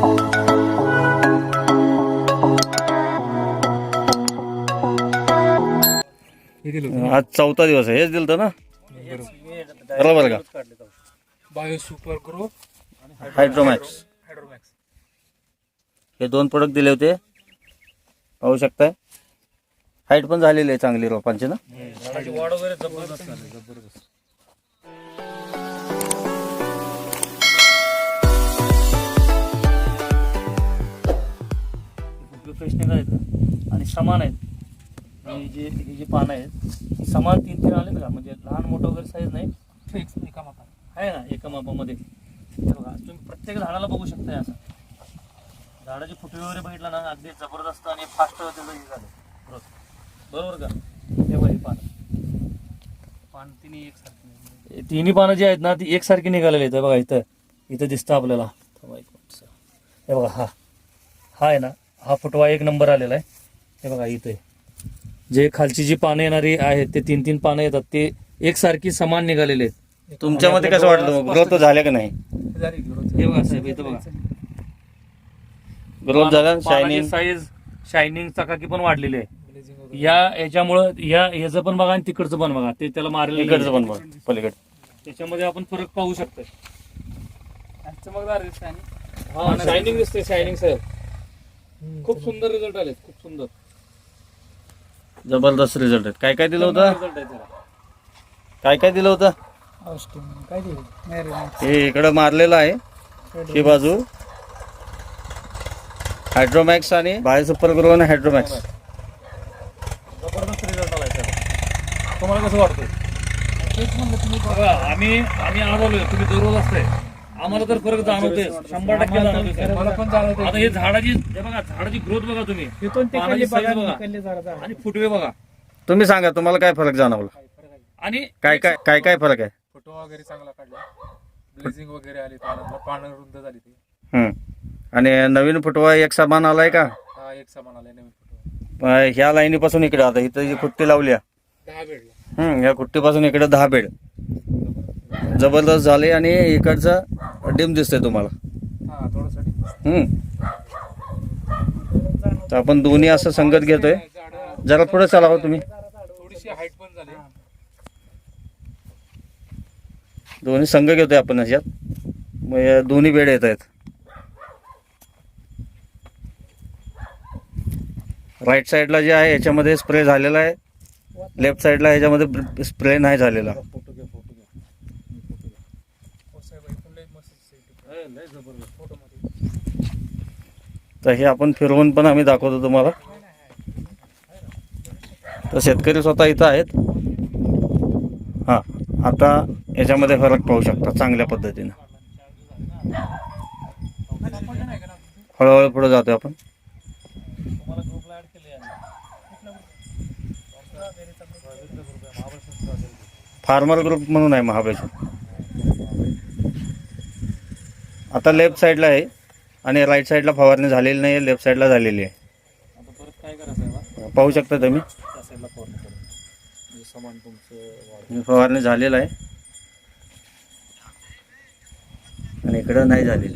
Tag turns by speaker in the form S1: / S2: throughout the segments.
S1: आज 4था दिवस आहे. हेच दिलं ना बरोबर का?
S2: बायो सुपर ग्रो
S1: हायड्रोमॅक्स हे 2 प्रोडक्ट दिले होते. पाहू शकताय हाईट पण झालेली आहे चांगली रोपांची ना.
S2: वाढ वगैरे जबरदस्त झाली, जबरदस्त.
S3: प्रोफेशनल आहेत आणि समान आहेत. ही जी पानं आहेत ही समान 3-3 आलेत का, म्हणजे लहान मोठं वगैरे साईज नाही,
S2: फिक्स एका मापात
S3: आहे ना एका मापामध्ये. हे बघा तुम्ही प्रत्येक झाडाला बघू शकताय. असं झाडाची फुटवे वगैरे बघितला ना अगदी जबरदस्त आणि फास्ट त्याचं हे झालं ग्रोथ. बरोबर का? हे बघा ही पान तिन्ही एकसारखी, तिन्ही पानं जी आहेत ना ती एकसारखी निघालेली आहेत. बघा इथं दिसतं आपल्याला. हे बघा हा आहे ना, हा फुटवा 1 नंबर आलेला आहे. हे बघा इथे जे खालची जी पानं येणारी आहेत ते 3-3 पानं येतात ते एकसारखी समान निघालेले आहेत.
S1: तुमच्यामध्ये कसं वाटलं, ग्रोथ झाल्या का नाही?
S2: झाली ग्रोथ.
S3: हे बघा साहेब इथं बघा
S1: ग्रोथ झाला. शायनिंग
S3: साईज, शायनिंग चकाकी पण वाढलेली आहे. याच्यामुळं याचं पण बघा आणि तिकडचं पण बघा, ते त्याला मारलेलं
S1: इकडचं पण बघ पलीकडे.
S3: त्याच्यामध्ये आपण फरक पाहू शकतो.
S2: चमकदार दिसते आणि
S3: हा शायनिंग दिसते. शायनिंग साहेब खूप सुंदर रिझल्ट आले, खूप सुंदर
S1: जबरदस्त रिझल्ट आहेत. काय काय दिलं होतं?
S3: रिझल्ट आहे त्याला.
S1: काय काय दिलं होतं?
S2: काय दिलं
S1: हे इकडं मारलेलं आहे ही बाजू. हायड्रोमॅक्स आणि बायो सुपर ग्रो आणि हायड्रोमॅक्स.
S3: जबरदस्त रिझल्ट आलाय त्याला. तुम्हाला कसं वाटतं?
S2: तेच म्हणलं तुम्ही
S3: बघा आम्ही आज आलोय, तुम्ही दररोज असताय, आम्हाला तर फरक जाणवते, 100% जाणवते.
S2: मला पण जाणवतं.
S3: आता हे झाडाची ग्रोथ बघा तुम्ही,
S2: तिथून ते
S3: पानाची
S2: बघा,
S3: size बघा.
S2: निकलले जरा
S3: आणि फुटवे बघा.
S1: तुम्ही सांगा तुम्हाला काय फरक जाणवला?
S3: आणि
S1: काय काय काय काय फरक आहे?
S2: फोटो वगैरे चांगला काढला, ब्लेझिंग वगैरे आली, पानं रुंद झाली ती.
S1: आणि नवीन फुटवा एक समान आलाय का?
S2: हा एक समान आलाय नवीन फोटो.
S1: ह्या लाईनीपासून इकडे आता इथं जी खुट्टी लावली
S2: 10 भेटला.
S1: ह्या खुट्टीपासून इकडे 10 बेड जबरदस्त झाले. आणि इकडचं डिम दिसतंय तुम्हाला.
S2: हा थोडंसाठी
S1: तर आपण दोन्ही असं संगत घेतोय. जरा पुढे चालावं तुम्ही.
S2: थोडीशी हाईट पण झाली.
S1: दोन्ही संघ घेतोय आपण ह्याच्यात. मग या दोन्ही बेड येत आहेत. राईट साईडला जे आहे याच्यामध्ये स्प्रे झालेला आहे. लेफ्ट साईडला ह्याच्यामध्ये स्प्रे नाही झालेला. तर हे आपण फिरवून पण आम्ही दाखवतो तुम्हाला. तर शेतकरी स्वतः इथं आहेत. हां आता याच्यामध्ये फरक पाहू शकता चांगल्या पद्धतीनं. हळूहळू पुढे जातो आपण. फार्मर ग्रुप म्हणून आहे महाबळेश्वर. आता लेफ्ट साईडला आहे आणि राईट साईडला फवारणी झालेली नाही आहे, लेफ्ट साईडला झालेली आहे.
S3: आता परत काय करायचं,
S1: पाहू शकता तुम्ही
S3: त्या साईडला फवारणी करू, म्हणजे समान तुमचं
S1: फवारणी झालेला आहे आणि इकडं नाही झालेली.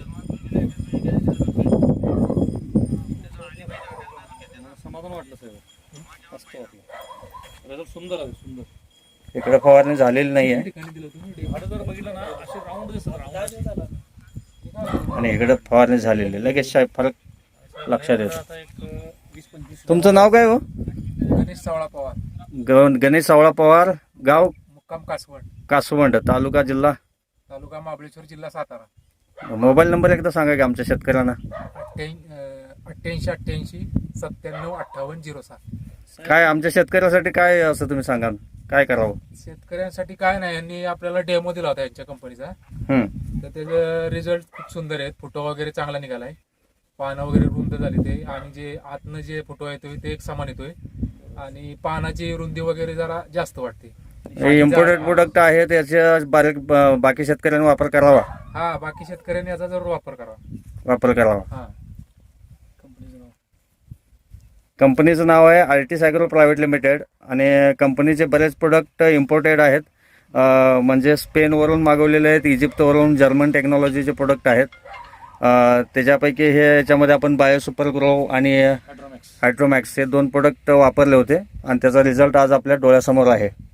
S3: समाधान वाटलं साहेब, मस्त वाटलं. रिझल्ट सुंदर आहे, सुंदर.
S1: इकडे फवारणी झालेली नाही आहे
S3: झाडं जर बघितलं ना असे राऊंड दिसतात,
S1: आणि इकडे फवारणी झालेली आहे. लगेच साहेब फरक लक्षात येतो.
S3: आता एक 20-25
S1: तुमचं नाव काय हो?
S2: गणेश सावळा पवार,
S1: गणेश सावळा पवार, गाव
S2: मुक्काम कासवड,
S1: कासवंड, तालुका जिल्हा
S2: तालुका महाबळेश्वर, जिल्हा सातारा.
S1: मोबाईल नंबर एकदा सांगा की आमच्या शेतकऱ्यांना.
S2: 8888 97 58 07.
S1: काय आमच्या शेतकऱ्यासाठी काय असं तुम्ही सांगा, काय करावं?
S2: शेतकऱ्यांसाठी काय नाही, यांनी आपल्याला डेमो दिला होता यांच्या कंपनीचा. तर त्याचे रिझल्ट खूप सुंदर आहेत. फोटो वगैरे चांगला निघालाय, पानं वगैरे रुंद झाली ते, आणि जे आतनं जे फोटो येतोय ते एक समान येतोय, आणि पानाची रुंदी वगैरे जरा जास्त वाटते.
S1: हे इम्पोर्टेड प्रोडक्ट आहे, त्याच्या बाकी शेतकऱ्यांनी वापर करावा.
S2: हा बाकी शेतकऱ्यांनी याचा जरूर वापर करावा. हा
S1: कंपनीचं नाव आहे आर्टिस ॲग्रो प्रायव्हेट लिमिटेड. आणि कंपनीचे बरेच प्रोडक्ट इम्पोर्टेड आहेत, म्हणजे स्पेनवरून मागवलेले आहेत, इजिप्तवरून, जर्मन टेक्नॉलॉजीचे प्रोडक्ट आहेत. त्याच्यापैकी हे याच्यामध्ये आपण बायो सुपर ग्रो आणि
S3: हायड्रोमॅक्स
S1: हायड्रोमॅक्स हे 2 प्रोडक्ट वापरले होते आणि त्याचा रिझल्ट आज आपल्या डोळ्यासमोर आहे.